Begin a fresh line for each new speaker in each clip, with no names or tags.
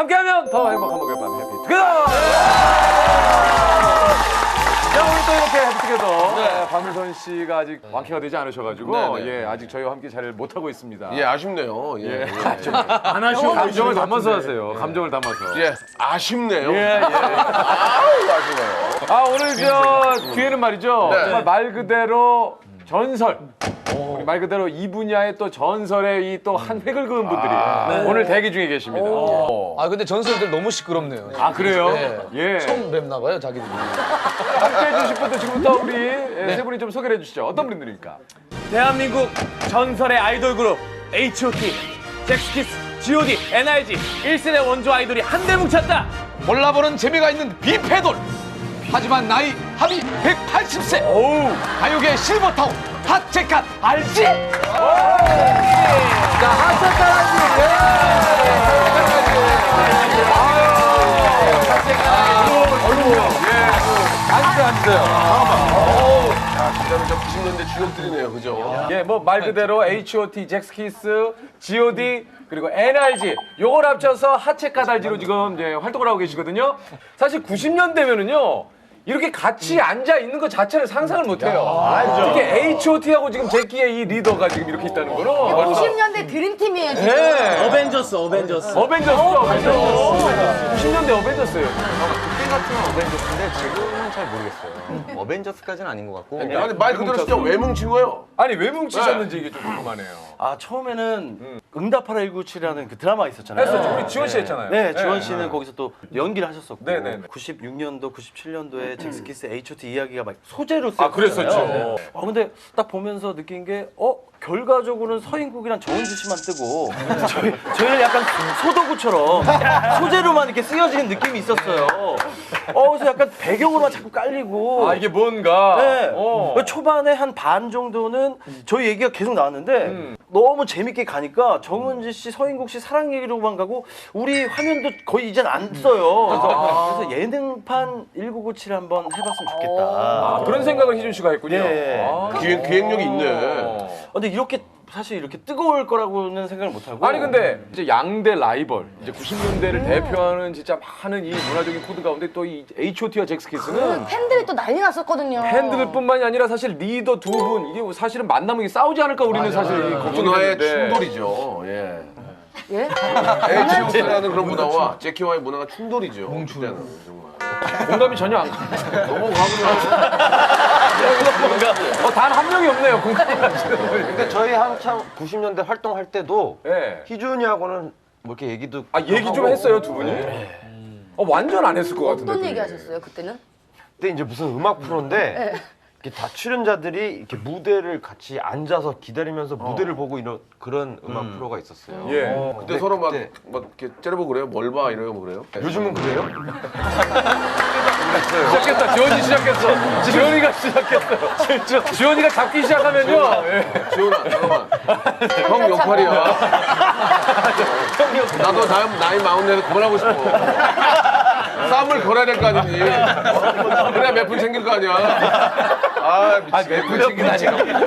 함께하면 더 행복한 목요일 밤 해피투게더. 자, 오늘 또 이렇게 해피투게더 박민선 씨가 아직 완쾌가 되지 않으셔가지고 예, 아직 저희와 함께 잘 못하고 있습니다.
예, 아쉽네요. 예.
안 하시고 감정을 담아서 하세요. 감정을 담아서.
예, 아쉽네요.
예.
아우, 아쉬워요.
아, 오늘 저 뒤에는 말이죠.
네.
정말 말 그대로 전설. 우리 말 그대로 이 분야의 또 전설의 이 또 한 획을 그은 분들이 오늘 대기 중에 계십니다.
아 근데 전설들 너무 시끄럽네요.
아, 그래요?
네.
예.
처음 뵙나 봐요 자기들이.
함께 해주실 분들 지금부터 우리 세 분이 좀 소개를 해주시죠. 어떤 분들입니까?
대한민국 전설의 아이돌 그룹 H.O.T, 잭스키스, G.O.D, NRG 1세대 원조 아이돌이 한데 뭉쳤다.
몰라보는 재미가 있는 비패돌. 하지만 나이 합이 180세. 가요계 실버타운 핫체칸 알지?
자, 핫색깔
진짜로 저 90년대 주역들이네요, 그죠?
예, 뭐 말 그대로 H.O.T, 잭스키스, G.O.D 그리고 NRG 요걸 합쳐서 하체 까달지로 지금 이제 활동을 하고 계시거든요. 사실 90년대면은요. 이렇게 같이 앉아 있는 것 자체를 상상을 못 해요. 특히 H.O.T하고 지금 제키의 이 리더가 지금 이렇게 있다는 거는
90년대 드림팀이에요, 지금.
네.
어벤져스.
어벤져스죠, 어벤져스. 90년대 어벤져스예요.
그때 같은 어벤져스인데 지금은 잘 모르겠어요. 어벤져스까지는 아닌 것 같고.
아니, 말 그대로 진짜 왜 뭉친 거예요?
아니, 왜 뭉치셨는지 이게 좀 궁금하네요.
아 처음에는 응답하라 197이라는 그 드라마 있었잖아요.
했었죠. 우리 지원 씨 했잖아요.
네, 지원 씨는 거기서 또 연기를 하셨었고.
네.
96년도, 97년도에 잭스키스 H.O.T 이야기가 막 소재로 쓰였잖아요.
그랬었죠.
근데 딱 보면서 느낀 게 결과적으로는 서인국이랑 정은지 씨만 뜨고 저희는 약간 소도구처럼 소재로만 이렇게 쓰여지는 느낌이 있었어요. 그래서 약간 배경으로만 자꾸 깔리고.
아, 이게 뭔가.
네. 초반에 한 반 정도는 저희 얘기가 계속 나왔는데 너무 재밌게 가니까 정은지 씨, 서인국 씨 사랑 얘기로만 가고 우리 화면도 거의 이젠 안 써요. 그래서 예능판 1997 한번 해봤으면 좋겠다.
그런 생각을 희준 씨가 했군요.
예.
기획력이 있네.
근데 이렇게 사실 이렇게 뜨거울 거라고는 생각을 못 하고.
아니 근데 이제 양대 라이벌, 이제 90년대를 대표하는 진짜 많은 이 문화적인 코드 가운데 또 이 H.O.T와 잭스키스는
팬들이 또 난리 났었거든요.
팬들뿐만이 아니라 사실 리더 두 분 이게 사실은 만나면 싸우지 않을까 우리는 사실 걱정이
문화의
됐는데.
충돌이죠. 예.
예?
H.O.T라는 그런 문화와 제키와의 문화가 충돌이죠. 그때는 정말.
공감이 전혀 안 가요.
너무 가보면
단 한 명이 없네요. 공감이 가시는 분이.
근데 저희 한참 90년대 활동할 때도
예.
희준이하고는 뭐 이렇게 얘기도
얘기 좀 했어요, 두 분이? 완전 안 했을 것 같은데.
어떤
둘이.
얘기 하셨어요, 그때는?
그때 이제 무슨 음악 프로인데 이렇게 다 출연자들이 이렇게 무대를 같이 앉아서 기다리면서 무대를 보고 이런 그런 음악 프로가 있었어요.
예.
그때 서로 막 이렇게 째려보고 그래요? 뭘 봐? 이러고 그래요?
요즘은 그래요?
시작했다. 지원이 시작했어. 지원이가 시작했어요. 진짜. 지원이가 잡기 시작하면요. 예.
지원아, 잠깐만. 형 역할이야. 나도 나이 마흔에서 그만하고 싶어. 싸움을 걸어야 될 거 아니니. 그래야 몇 분 생길 거 아니야.
몇분 챙기다니.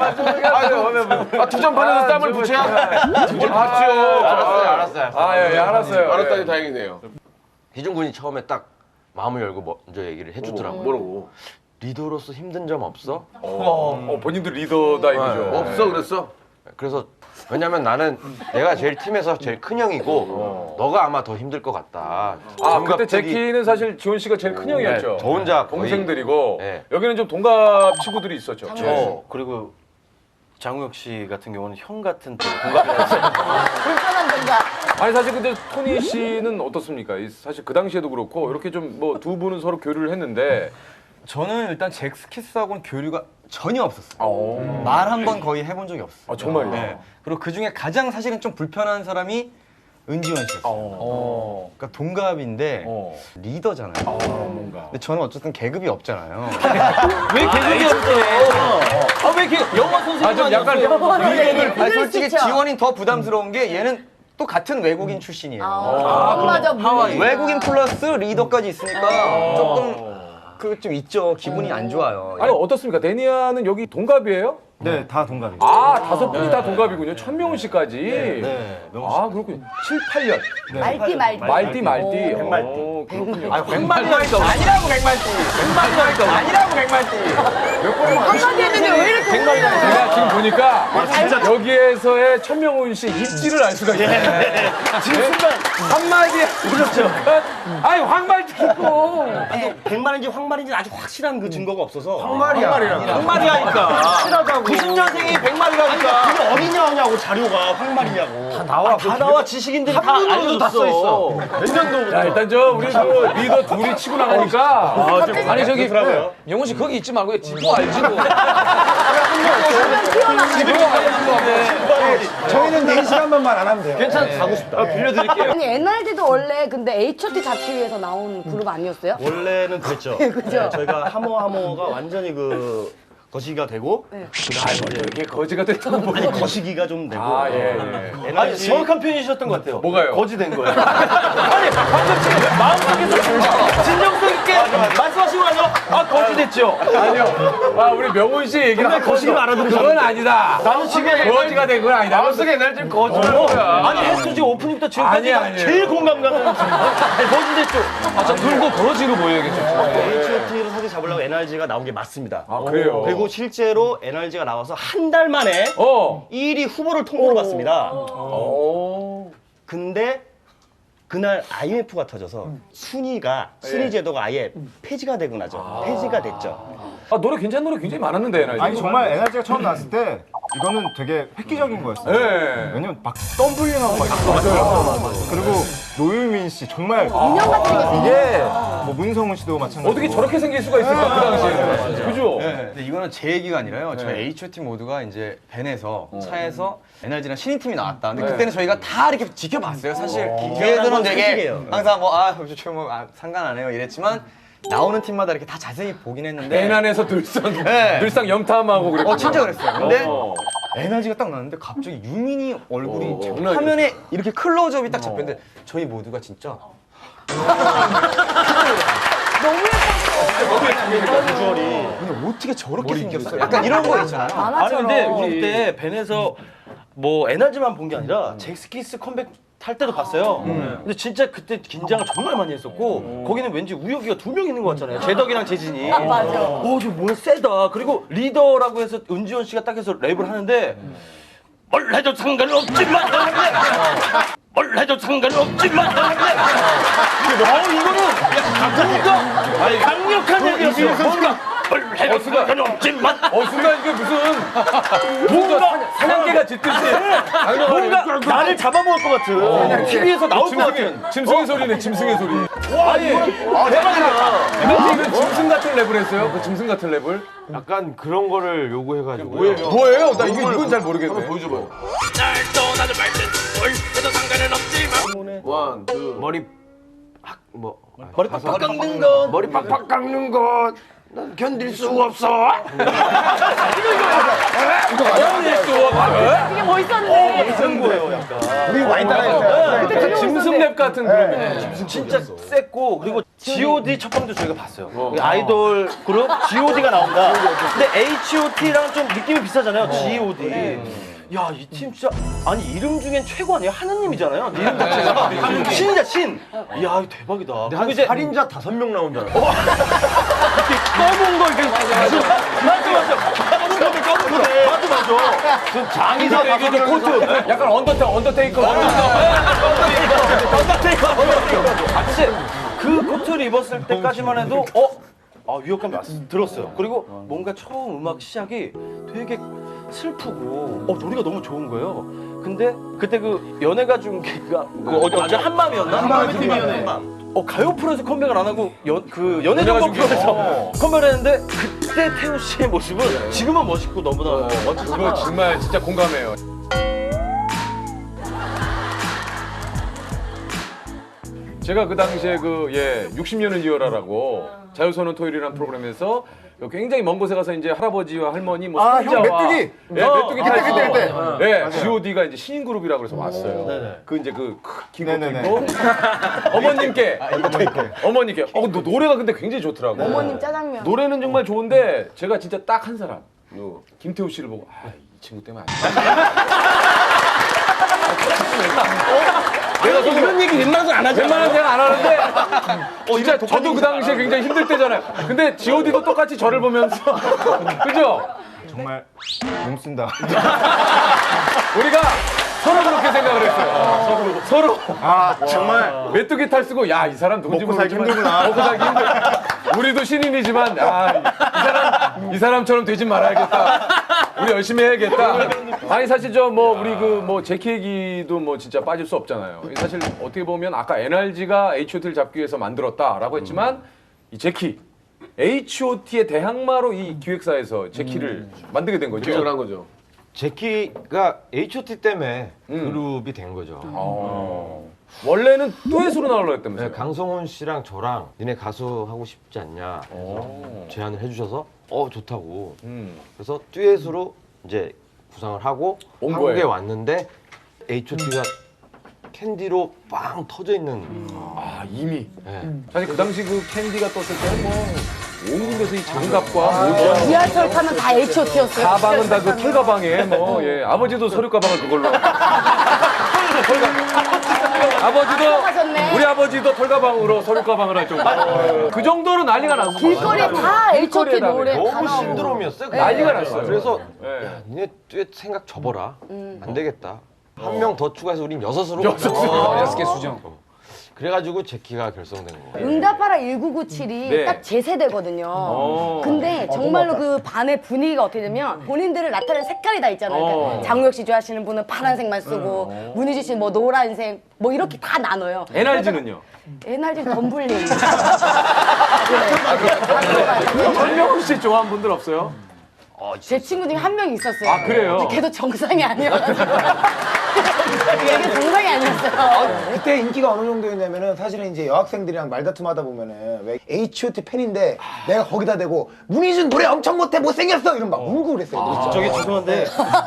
투전판에서 땀을 붙여야 뭘 봤죠.
알았어요.
알았어요.
알았다니 다행이네요.
희준 군이 처음에 딱 마음을 열고 먼저 얘기를 해주더라고요.
뭐라고?
리더로서 힘든 점 없어?
본인도 리더다 이거죠.
없어 그랬어?
그래서 왜냐면 나는 내가 제일 팀에서 제일 큰 형이고 너가 아마 더 힘들 것 같다.
그때
동갑들이-
제키는 사실 지원 씨가 제일 큰 형이었죠.
네, 저 혼자 거의-
동생들이고
네.
여기는 좀 동갑 친구들이 있었죠.
그리고 장우혁 씨 같은 경우는 형 같은 또 동갑이었어요.
불편한 동작.
아니 사실 근데 토니 씨는 어떻습니까? 사실 그 당시에도 그렇고 이렇게 좀 뭐 두 분은 서로 교류를 했는데
저는 일단 잭스키스하고는 교류가 전혀 없었어요. 말 한 번 거의 해본 적이 없어요.
정말요?
네. 그리고 그 중에 가장 사실은 좀 불편한 사람이 은지원 씨였어요. 그러니까 동갑인데 리더잖아요.
뭔가.
근데 저는 어쨌든 계급이 없잖아요.
왜 계속이 없어? 왜 이렇게 영화 선생님
좀 약간
아니, 솔직히 지원이 더 부담스러운 게 얘는 또 같은 외국인 출신이에요.
맞아, 하와이.
외국인 플러스 리더까지 있으니까 조금 그 좀 있죠. 기분이 안 좋아요.
아니 어떻습니까? 데니아는 여기 동갑이에요?
네, 다 동갑이에요.
아, 5분이 다 동갑이군요. 천명훈 씨까지.
네.
아, 그렇군요. 7, 8년.
말띠.
말띠.
백말띠.
그렇군요.
백말띠라니까 아니라고 백말띠. 백말띠라니까 아니라고 백말띠.
한마디 했는데 왜 이렇게
제가 지금 보니까 여기에서의 천명훈 씨 입지를 알 수가 있어요. 지금 순간 한마디 그렇죠. 아니 황말띠 있고.
백말인지 황말인지 아주 확실한 그 증거가 없어서
황말이야.
황말이라니까. 확실하다고. 90년생이 백말이라니까. 그게 어디냐고 자료가 황말이냐고. 다 나와 지식인들이 다 알려도 다 써 있어.
자, 일단 우리 그 리더 둘이 치고 나가니까
아니 저기 영훈 씨 거기 있지 말고 지도 알지도.
저희는 4시간만 말 안 하면 돼요.
괜찮아, 가고 싶다. 빌려드릴게요.
아니 NRG도 원래 근데 H.O.T 잡기 위해서 나온 그룹 아니었어요?
원래는 그랬죠.
그죠?
저희가 하모가 완전히 그 거시기가 되고
이게 거지가 됐다고 뭐.
아니 거시기가 좀 되고
아, 예.
아니 정확한 표현이셨던 것 같아요.
뭐가요?
거지 된 거예요.
아니 방금 지금 마음속에서 진정성 있게 말씀하신 거 아니요? 아 거지 됐죠.
아니요. 아, 우리 명훈 씨 얘기를
근데 거시기를 알아들으셨는데.
그건 아니다.
나는 지금
거지가 된 건 아니다. 마음속에 옛날 좀 거지라는 거야.
아니 해수 지금 오프닝부터 지금까지
아니에요.
제일 공감 가는 거지 됐죠.
아저 늙고 거지로 보여야겠죠.
H.O.T를 사실 잡으려고 NRG가 나온 게 맞습니다.
아, 그래요?
그리고 실제로 NRG가 나와서 한 달 만에 1위 후보를 통보를 받습니다. 근데 그날 IMF가 터져서 순위 제도가 아예 폐지가 되고 나죠. 폐지가 됐죠.
아, 노래 괜찮은 노래 굉장히 많았는데, NRG.
아니 정말 에너지가 처음 나왔을 때 이거는 되게 획기적인 거였어요.
네.
왜냐면 막 덤블링하고 막 있었어요. 그리고 노유민 씨 정말
인형 같은 게
이게 뭐 문성훈 씨도 마찬가지고
어떻게 저렇게 생길 수가 있을까, 그 당시에. 그죠?
근데 이거는 제 얘기가 아니라요. 저희 H.O.T 모두가 이제 밴에서 차에서 NRG랑 신인팀이 나왔다. 근데 그때는 저희가 다 이렇게 지켜봤어요. 사실 뒤에서는 되게
사실이에요.
항상 상관 안 해요 이랬지만 나오는 팀마다 이렇게 다 자세히 보긴 했는데
밴 안에서
네.
늘상 염탐하고 그랬고.
진짜 그랬어요. 근데
어.
NRG가 딱 나왔는데 갑자기 유민이 얼굴이
장난이
화면에 이렇게 클로즈업이 딱 잡혔는데 저희 모두가 진짜
비주얼이.
근데 어떻게 저렇게 생겼어요? 약간 이런 거 있잖아요.
아니 근데 우리 그때 밴에서 뭐 NRG만 본 게 아니라 잭스키스 컴백 할 때도 봤어요. 근데 진짜 그때 긴장을 정말 많이 했었고 거기는 왠지 우혁이가 2명 있는 것 같잖아요. 제덕이랑 재진이.
맞아.
저 뭐야 세다. 그리고 리더라고 해서 은지원 씨가 딱 해서 랩을 하는데 뭘 해도 상관없지만 뭘 해도 상관없지만 이거는 뭔가 강력한 얘기였어요. 뭔가 뭘 해도 상관없지만
순간 이게 무슨 사냥개가 짖듯이
뭔가 나를 잡아먹을 것 같은 TV에서 나올 것 같은
짐승의 소리네, 짐승의 소리. 아니, 대박이다. 이거 짐승 같은 랩을 했어요? 그 짐승 같은 랩을?
약간 그런 거를 요구해가지고.
뭐예요? 나 이건 잘 모르겠네.
한번 보여줘봐요. 원, 투.
머리
팍팍
깎는 건
머리 팍팍 깎는 것. 난 견딜 수 없어.
되게 멋있었는데.
비싼 거예요 약간.
우리 많이 따라했어요.
그때
짐승 랩 같은 그룹이네.
진짜 셌고 그리고 G.O.D 첫 방도 저희가 봤어요. 아이돌 그룹 G.O.D가 나온다. 근데 H.O.T.랑 좀 느낌이 비슷하잖아요. G.O.D. 야, 이 팀 진짜 아니 이름 중엔 최고 아니에요? 하느님이잖아요. 이름 자체가 신이자 신. 이야, 이거 대박이다. 그리고 이제
살인자 5명 나온잖아.
검은 거 이렇게 맞아. 그 장의사
이게 이제 코트. 약간 언더테이커.
사실 그 코트를 입었을 때까지만 해도 위협감이 들었어요. 그리고 뭔가 처음 음악 시작이 되게 슬프고 노래가 너무 좋은 거예요. 근데 그때 그 연애가 중계가 어제 한밤이었나?
한밤의 TV연애.
가요 프로에서 컴백을 안 하고 그 연애 전공 프로에서 컴백을 했는데 그때 태우 씨의 모습은 지금은 멋있고 너무나
이거
멋지지만
정말 진짜 공감해요. 제가 그 당시에 60년을 이어라라고 자유선언 토요일이라는 프로그램에서 굉장히 먼 곳에 가서 이제 할아버지와 할머니 뭐
형
손자와
메뚜기.
메뚜기 타고
그때.
G.O.D가 이제 신인 그룹이라고 그래서 왔어요. 그 이제 긴 것도
네네네.
입고 어머님께 너 노래가 근데 굉장히 좋더라고.
어머님 짜장면.
노래는 정말 좋은데 제가 진짜 딱 한 사람
누구?
김태우 씨를 보고 이 친구 때문에 안 돼. 내가 이런 얘기 웬만해서 안 하잖아. 웬만해서 내가 안 하는데 진짜 저도 그 당시에 굉장히 힘들 때잖아요. 근데 G.O.D도 똑같이 저를 보면서 그죠?
정말 몸 쓴다.
우리가 서로 그렇게 생각을 했어요. 서로
정말
메뚜기 탈 쓰고 야 이 사람 누군지
먹고 살기
모르지만
힘들구나.
먹고 살기 힘들. 우리도 신인이지만 이 사람처럼 되진 말아야겠다. 우리 열심히 해야겠다. 아니 사실 저 뭐 우리 그 뭐 제키 얘기도 뭐 진짜 빠질 수 없잖아요. 사실 어떻게 보면 아까 NRG가 H.O.T를 잡기 위해서 만들었다라고 했지만 이 제키 H.O.T의 대항마로 이 기획사에서 제키를 만들게 된 거죠.
기획을 한 거죠.
제키가 H.O.T 때문에 그룹이 된 거죠.
원래는 듀엣으로 나오려고 했다면서요?
네, 강성훈 씨랑 저랑 니네 가수 하고 싶지 않냐 제안을 해주셔서 좋다고. 그래서 듀엣으로 이제 구상을 하고
온
한국에
거예요?
왔는데 H.O.T가 캔디로 빵 터져 있는.
이미
네.
사실 그 당시 그 캔디가 떴을 때는 뭐 온 군데서 이 장갑과 모자
지하철 타면 다 H.O.T였어요.
가방은 다 그 털가방에 뭐 예. 아버지도 서류 가방을 그걸로 아버지도
하셨네.
우리 아버지도 털가방으로 서류 가방을 할 정도 그 정도로 난리가 났고
길거리에 다 H.O.T
길거리에다
노래 다
너무
나오고.
신드롬이었어요. 그게.
난리가 났어요.
그래서
예.
야, 니네 듀엣 생각 접어라. 안 되겠다. 한 명 더 추가해서 우린 여섯으로. 여섯 개 수정. 그래가지고 제키가 결성된 거예요.
응답하라 1997이
네.
딱 제 세대거든요. 근데 정말로 그 반의 분위기가 어떻게 되면 본인들을 나타내는 색깔이 다 있잖아요. 그러니까 장우혁 씨 좋아하시는 분은 파란색만 쓰고 문희주 씨는 뭐 노란색 뭐 이렇게 다 나눠요.
NRG는요?
NRG는 덤블링.
전명훈 씨 좋아하는 분들 없어요?
제 친구 중에 한 명 있었어요.
아, 그래요?
근데 걔도 정상이 아니어가지고. 걔도 정상이 아니었어요.
그때 인기가 어느 정도였냐면은 사실은 이제 여학생들이랑 말다툼하다 보면은 왜 H.O.T 팬인데 내가 거기다 대고 문희준 노래 엄청 못해 못생겼어 이러면 막 울고 그랬어요.
저기 죄송한데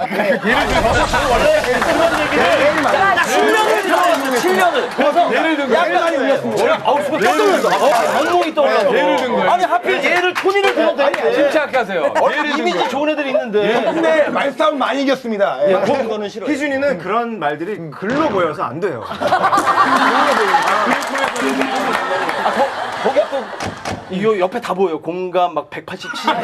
예를 든 거예요?
악몽이 떠올라서
예를 든 거예요?
아니 하필 얘를 토니를 들어도 되는데
침착하세요. 예를 든
이미지
거예요.
좋은 애들이 있는데
근데 말싸움 많이 이겼습니다. 예.
그런 거는 싫어요.
희준이는 그런 말들이 글로 보여서 안 돼요.
거기 또 이거 옆에 다 보여요. 공감 막 187개.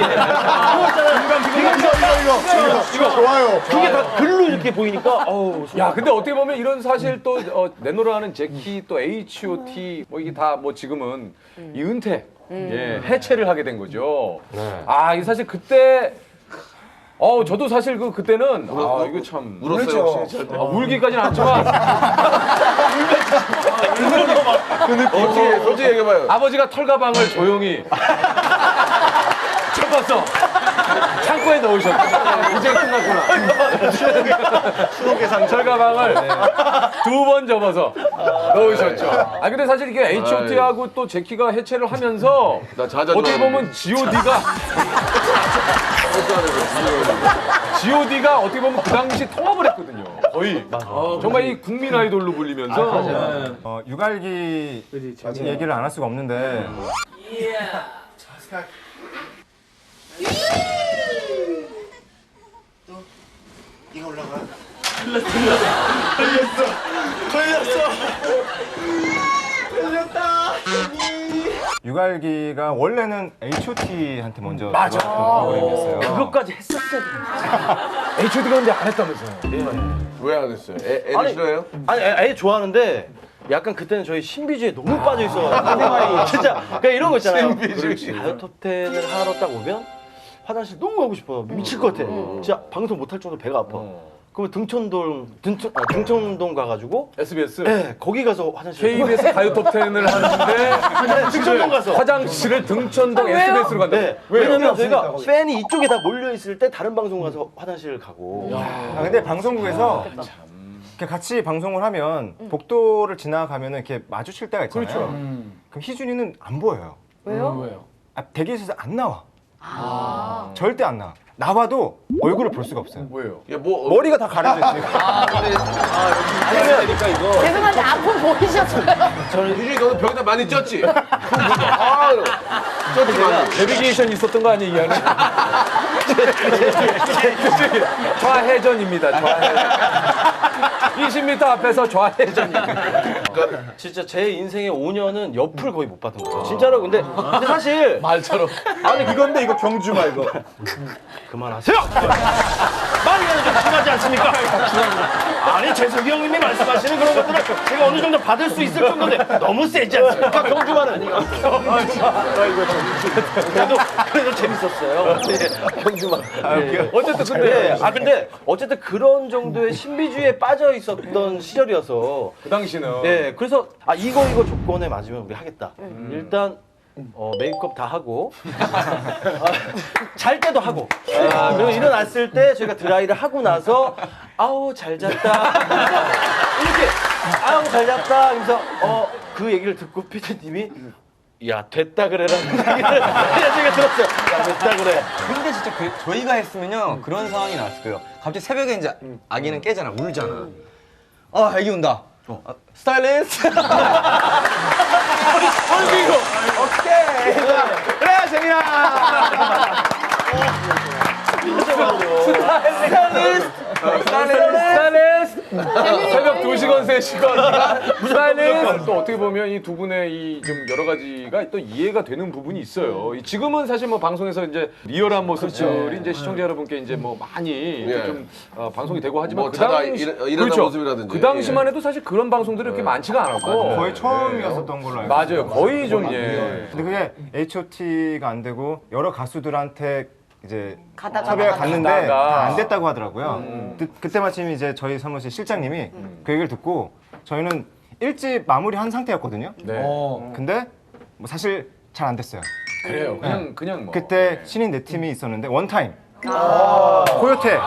이거 좋아요.
그게 다 글로 이렇게 보이니까 어우.
야, 근데 어떻게 보면 이런 사실 또 내노라하는 제키 또 H.O.T 뭐 이게 다 뭐 지금은 이 은퇴 예, 해체를 하게 된 거죠. 이 사실 그때 저도 사실 그때는 이거 참
울었어요 혹시?
울기까지는 않지만
어떻게 솔직히 얘기해봐요.
아버지가 털가방을 조용히 접어서 창고에 넣으셨고 이제 끝났구나. 추억의 상 털가방을 2번 접어서 넣으셨죠. 근데 사실 이게 H.O.T하고 또 제키가 해체를 하면서
나 자자
어떻게 보면 G.O.D가 어떻게 보면 그 당시 통합을 했거든요. 거의 정말 이 국민 아이돌로 불리면서
유갈기 얘기를 안 할 수가 없는데 유갈기가 원래는 H.O.T한테 먼저
맞아.
프로그램이었어요.
그것까지 했었어야 돼.
H.O.D가 근데 안 했다면서요.
왜 안 했어요? 애들 싫어해요?
아니 애 좋아하는데 약간 그때는 저희 신비주의에 너무 빠져 있어가지고 진짜 그러니까 이런 거 있잖아요. 그렇지. 가요 톱10을 하러 딱 오면 화장실 너무 가고 싶어. 미칠 것 같아. 진짜 방송 못할 정도로 배가 아파. 그러면 등촌동 가가지고
SBS.
네, 거기 가서 화장실
KBS 가요 톱10을 하는데
등촌동 가서
화장실을 등촌동 SBS로 간다.
네. 왜냐면 저희가 팬이 이쪽에 다 몰려 있을 때 다른 방송 가서 화장실을 가고.
근데 방송국에서 이렇게 같이 방송을 하면 복도를 지나가면은 이렇게 마주칠 때가 있잖아요.
그렇죠.
그럼 희준이는 안 보여요.
왜요?
대기실에서 안 나와. 절대 안 나와. 나와도 얼굴을 볼 수가 없어요.
뭐예요?
야, 뭐
머리가 다 가려져 있으니까.
죄송한데 앞으로 보이셨어요?
유진이 너는 벽에다 많이 쪘지? 쪘지 많이.
내비게이션 있었던 거 아니에요, 이 안에? 좌회전입니다. 좌회전. 20m 앞에서 좌회전입니다.
진짜 제 인생의 5년은 옆을 거의 못 받은 거예요. 진짜로. 근데 사실
말처럼.
아니 이건데 이거 경주 말고. 그만하세요. 말이라도 좀 심하지 않습니까? 아니 재석이 형님이 말씀하시는 그런 것들은 제가 어느 정도 받을 수 있을 정도인데 너무 세지 않습니까? 경주만은. 그래도 재밌었어요. 경주만.
어쨌든 근데
근데 어쨌든 그런 정도의 신비주의에 빠져 있었던 시절이어서
그 당시는
네, 그래서 이거 조건에 맞으면 우리 하겠다. 일단 메이크업 다 하고 잘 때도 하고 그리고 일어났을 때 저희가 드라이를 하고 나서 아우 잘 잤다 이렇게 아우 잘 잤다 하면서 그 얘기를 듣고 피디님이 야 됐다 그래라 제가 들었어요. 야 됐다 그래.
근데 진짜 저희가 했으면요 그런 상황이 나왔을 거예요. 갑자기 새벽에 이제 아기는 깨잖아, 울잖아. 아기 운다. 스타일리스트. 오케이. 그래 재민아.
스타일리스트. 새벽 2시간 3시간 스타일리스트. 또 어떻게 보면 이 두 분의 이 좀 여러 가지가 또 이해가 되는 부분이 있어요. 지금은 사실 뭐 방송에서 이제 리얼한 모습들이 이제 시청자 여러분께 이제 뭐 많이 이렇게 좀 방송이 되고 하지만
뭐
그
자다
당시
일어난 모습이라든지.
그 당시만 해도 사실 그런 방송들이 그렇게 많지가 않았고
거의 처음이었었던 걸로 알고
맞아요. 거의 좀 예.
근데 그게 H.O.T가 안 되고 여러 가수들한테 이제
가다가
섭외가 갔는데
가다가.
다 안 됐다고 하더라고요. 그때 마침 이제 저희 사무실 실장님이 그 얘기를 듣고 저희는 일집 마무리한 상태였거든요.
네.
근데 뭐 사실 잘 안 됐어요.
그래요. 그냥 뭐.
그때 신인 네 팀이 있었는데 원타임, 코요테,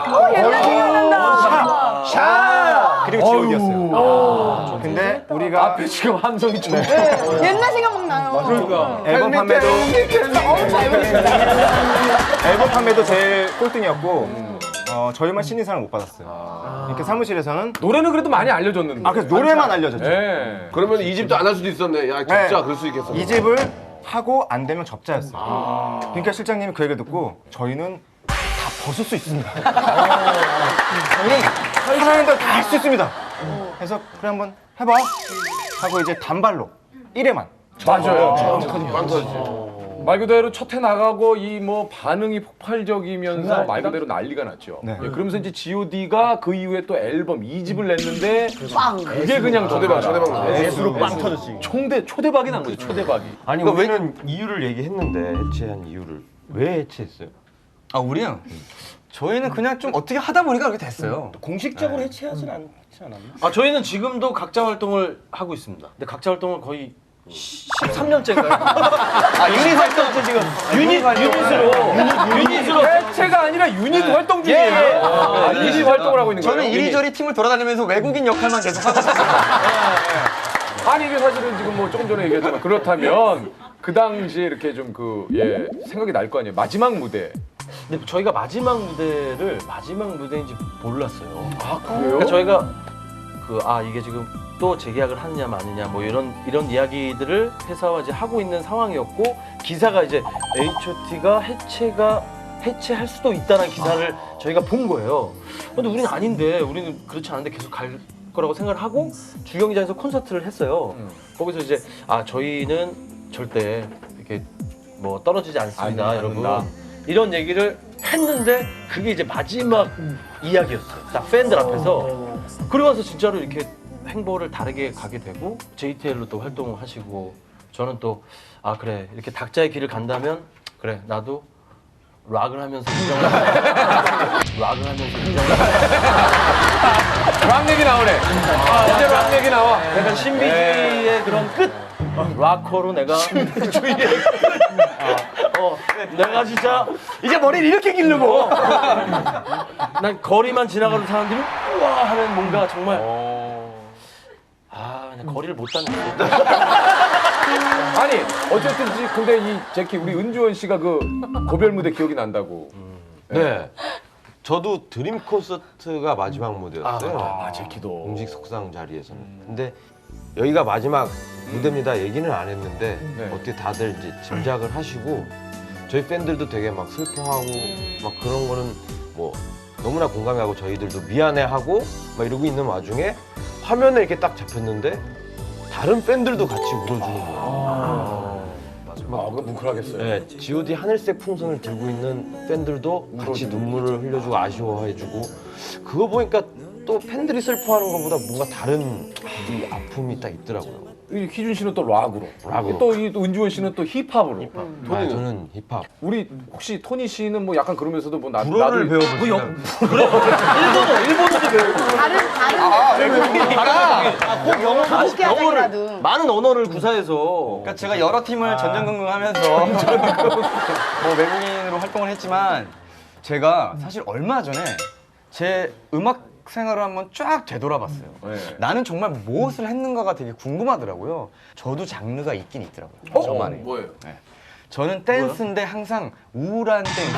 샤 그리고 G.O.D였어요. 근데 우리가
앞에 지금 함성이 좀
옛날 생각 막 나요.
앨범 판매도 앨범 판매도 제일 꼴등이었고 저희만 신인상을 못 받았어요. 이렇게 사무실에서는
노래는 그래도 많이 알려줬는데.
그래서 노래만 알려줬죠.
예.
그러면 이 집도 안 할 수도 있었네. 야 진짜
네.
그럴 수 있겠어.
이 집을 하고 안 되면 접자였어요. 그러니까 실장님이 그 얘기를 듣고 저희는 다 벗을 수 있습니다. 저희 하라는 대로 다 할 수 있습니다. 그래서 그래 한번 해봐 하고 이제 단발로 1회만
맞아요.
빵 터지지.
말 그대로 첫 해 나가고 이 뭐 반응이 폭발적이면서 말 그대로 난리가 났죠.
네.
예, 그러면서 이제 G.O.D가 그 이후에 또 앨범 2집을 냈는데
빵.
그게 그냥
초대박.
S로 빵 터졌지. 초대박이 난 거죠. 초대박이.
아니 우리는 이유를 얘기했는데 해체한 이유를 왜 해체했어요?
우리요? 저희는 그냥 좀 어떻게 하다 보니까 그렇게 됐어요.
공식적으로 해체하진 않지 않았나? 저희는 지금도 각자 활동을 하고 있습니다. 근데 각자 활동을 거의 13년째인가요? 유닛 활동 지금 유닛으로
해체가 아니라 유닛 활동 중이에요. 유닛 활동을 하고 있는 거예요.
저는 이리저리 팀을 돌아다니면서 외국인 역할만 계속 하고 있어요.
아니 이게 사실은 지금 뭐 조금 전에 얘기했지만 그렇다면 그 당시에 이렇게 좀 생각이 날 거 아니에요. 마지막 무대.
근데 저희가 마지막 무대인지 몰랐어요.
아 그래요?
그러니까 저희가 이게 지금 또 재계약을 하느냐 마느냐 뭐 이런 이야기들을 회사와 이제 하고 있는 상황이었고 기사가 이제 H.O.T가 해체할 수도 있다는 기사를 저희가 본 거예요. 근데 우리는 아닌데 우리는 그렇지 않은데 계속 갈 거라고 생각을 하고 주경기장에서 콘서트를 했어요. 거기서 이제 저희는 절대 이렇게 뭐 떨어지지 않습니다, 여러분. 이런 얘기를 했는데 그게 이제 마지막 이야기였어요. 딱 팬들 앞에서. 그러고 나서 진짜로 이렇게 행보를 다르게 가게 되고 JTL로 또 활동을 하시고 저는 또 그래 이렇게 각자의 길을 간다면 그래 나도 락을 하면서
락 얘기 나오네. 이제 락 얘기 나와.
약간 신비주의의 그런 끝 락커로 내가 신비주의의 끝 내가 진짜 이제 머리를 이렇게 기르고 난 거리만 지나가는 사람들이 우와 하는 뭔가 정말 그냥 거리를 못 닿는
아니 어쨌든 근데 이 제키 우리 은주원 씨가 그 고별 무대 기억이 난다고.
네. 저도 드림 콘서트가 마지막 무대였어요.
제키도.
공식 석상 자리에서는. 근데 여기가 마지막 무대입니다 얘기는 안 했는데
네.
어떻게 다들 이제 짐작을 하시고 저희 팬들도 되게 막 슬퍼하고 막 그런 거는 뭐 너무나 공감하고 저희들도 미안해하고 막 이러고 있는 와중에 화면에 이렇게 딱 잡혔는데 다른 팬들도 같이 울어주는 거예요.
그거 뭉클하겠어요.
네, G.O.D 하늘색 풍선을 들고 있는 팬들도 같이 눈물을 흘려주고 아쉬워해주고 그거 보니까 또 팬들이 슬퍼하는 것보다 뭔가 다른 이 아픔이 딱 있더라고요.
이 희준 씨는 또 락으로.
락으로.
또 이 은주원 씨는 또 힙합으로.
아, 저는 힙합.
우리 혹시 토니 씨는 뭐 약간 그러면서도 뭐
불어를 배워보시나요?
일본어도 배우고.
꼭 영어라도.
많은 언어를 구사해서.
그러니까 제가 여러 팀을 전전긍긍하면서 뭐 외국인으로 활동을 했지만 제가 사실 얼마 전에 제 음악 생활을 한번 쫙 되돌아봤어요.
네.
나는 정말 무엇을 했는가가 되게 궁금하더라고요. 저도 장르가 있긴 있더라고요. 저만의.
뭐예요?
저는 댄스인데 항상 우울한 댄스.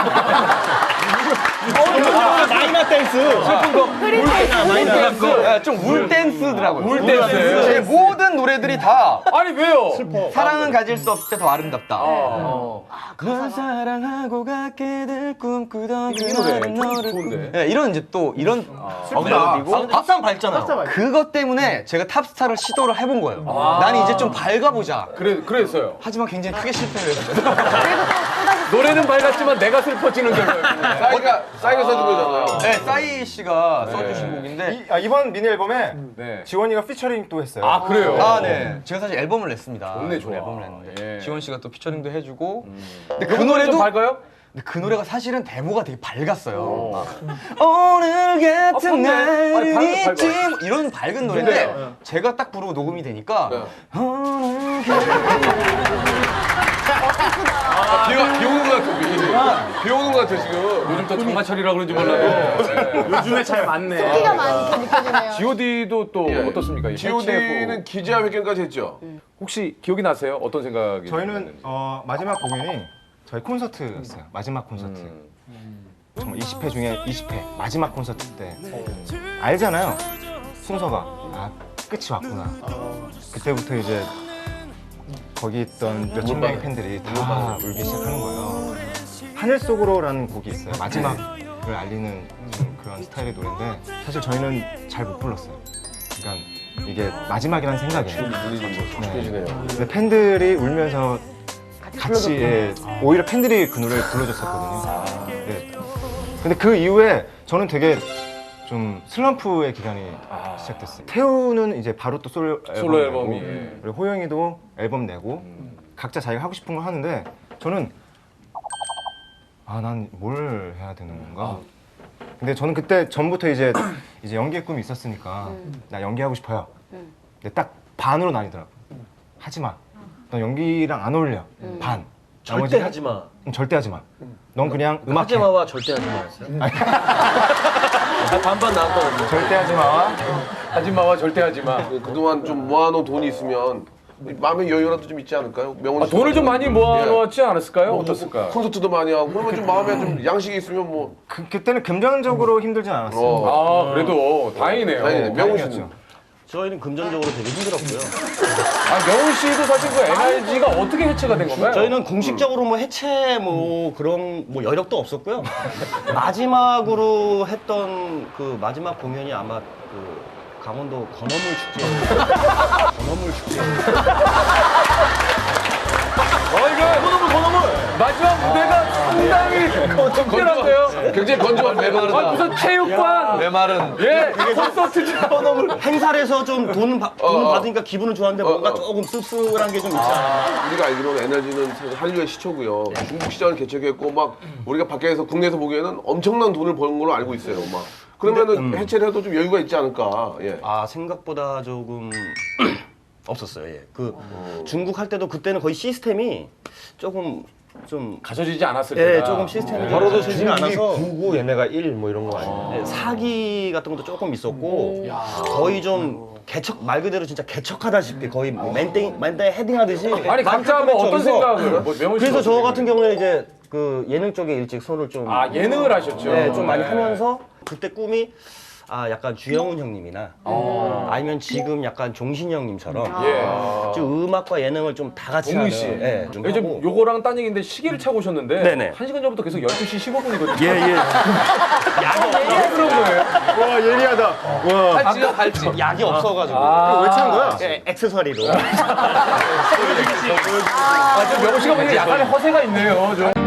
마이너 댄스. 슬픈 거.
네, 좀 울 댄스더라고요.
울 댄스.
제 모든 노래들이 다
아니 왜요?
사랑은 가질 수 없을 때 더 아름답다. 널 사랑하고 갖게 될 꿈꾸던
이 노래
그날은 너를
좋은데.
네, 이런 이제 또 이런 멜로디고
박수 한번 밟잖아요.
그것 때문에 제가 탑스타를 시도를 해본 거예요. 나는 이제 좀 밝아보자.
그랬어요.
하지만 굉장히 크게 실패를 했어요.
노래는 밝았지만 내가 슬퍼지는 결과였군요.
싸이가 써준 거잖아요.
네, 싸이 씨가 써주신 곡인데
이번 미니 앨범에
네.
지원이가 피처링 또 했어요.
아 그래요?
아, 네. 제가 사실 앨범을 냈습니다.
좋네, 좋아.
앨범을 냈는데
예.
지원 씨가 또 피처링도 해주고 근데
그 노래 좀 밝아요?
근데 그 노래가 사실은 데모가 되게 밝았어요. 오늘 같은
밝네.
날은
아니, 밝아.
있지 뭐 이런 밝은 노래인데 제가 딱 부르고 녹음이 되니까 오늘
비 오는 것 같아, 비 오는 것 같아, 지금.
요즘 또 장마철이라 그런지 몰라도
요즘에 잘 맞네.
끼가 많이 느껴지네요.
G.O.D도 또
예.
어떻습니까? 이
G.O.D는
해체후.
기자회견까지 했죠.
혹시 기억이 나세요? 어떤 생각이
저희는
났는지?
마지막 공연이 저희 콘서트였어요. 마지막 콘서트. 정말 20회 중에 20회 마지막 콘서트 때 알잖아요. 순서가 아 끝이 왔구나. 그때부터 이제 거기 있던 몇천 명의 팬들이 다 울기 시작하는 거예요. 하늘 속으로라는 곡이 있어요. 마지막을 알리는 좀 그런 스타일의 노래인데 사실 저희는 잘 못 불렀어요. 그러니까 이게 마지막이라는 생각에. 네. 근데 팬들이 울면서 같이 오히려 팬들이 그 노래를 불러줬었거든요. 네. 근데 그 이후에 저는 되게 좀 슬럼프의 기간이 시작됐어요. 태우는 이제 바로 또 솔로
앨범이.
내고, 그리고 호영이도 앨범 내고 각자 자기가 하고 싶은 걸 하는데 저는 난 뭘 해야 되는 건가? 근데 저는 그때 전부터 이제 연기의 꿈이 있었으니까 나 연기하고 싶어요. 근데 딱 반으로 나뉘더라고. 하지 마. 넌 연기랑 안 어울려. 반.
절대 하지 마.
절대 하지 마. 넌 그냥 음악
하지 마와 절대 하지 마였어요. 반반 나왔거든요.
절대 하지 마와
하지마와 절대 하지마.
그동안 좀 모아놓은 돈이 있으면 마음의 여유라도 좀 있지 않을까요? 명훈 씨
돈을 좀 많이
예.
모아놓지 않았을까요? 어떻을까?
콘서트도 많이 하고 그러면 좀 마음에 좀 양식이 있으면 뭐
그때는 금전적으로 힘들진 않았어요.
아 그래도 다행이네요.
다행이네. 명훈 씨는
다행이었죠.
저희는 금전적으로 되게 힘들었고요.
명훈 씨도 사실 그 NRG가 어떻게 해체가 된 건가요?
저희는 공식적으로 뭐 해체 뭐 그런 뭐 여력도 없었고요. 마지막으로 했던 그 마지막 공연이 아마 그 강원도 건어물 축제. 건어물 축제.
마지막 무대가 상당히 특별한데요.
굉장히 건조한 매너다.
무슨 체육관
메말은
예 콘서트장
행사를 해서 좀 돈 받으니까 기분은 좋았는데 뭔가 조금 씁쓸한 게 좀 있지 않아요?
우리가 알기로는 에너지는 사실 한류의 시초고요. 중국 시장을 개척했고 막 우리가 밖에서 국내에서 보기에는 엄청난 돈을 버는 걸로 알고 있어요. 막 그러면은 해체를 해도 좀 여유가 있지 않을까. 예.
아 생각보다 조금 없었어요. 예. 그 중국 할 때도 그때는 거의 시스템이 조금 좀
갖춰지지 않았을
예,
때가
조금 시스템이
바로도
갖춰지지가 않아서
99 얘네가 1 뭐 이런 거 아니에요?
예, 사기 같은 것도 조금 있었고 거의 좀 개척 말 그대로 진짜 개척하다시피 거의 맨땡 헤딩하듯이
아니 각자 뭐 어떤 생각을 뭐 명훈 씨
그래서 저
어떤
같은 경우에 이제 그 예능 쪽에 일찍 손을 좀
예능을 하셨죠.
네, 좀 많이
네.
하면서 그때 꿈이 약간 주영훈 형님이나 아니면 지금 약간 종신 형님처럼
예.
좀 음악과 예능을 좀 다 같이 하는
동시.
예, 좀
요즘
하고.
요거랑 딴 얘기인데 시계를 차고 오셨는데
네네.
1시간 전부터 계속 12시 15분이거든요.
예.
왜 그런 거예요?
와 예리하다. 와.
팔찌요, 팔찌.
약이 없어가지고
왜 찬 거야?
예, 액세서리로.
아, 좀 명호 씨가 보니까 약간의 허세가 있네요. 좀.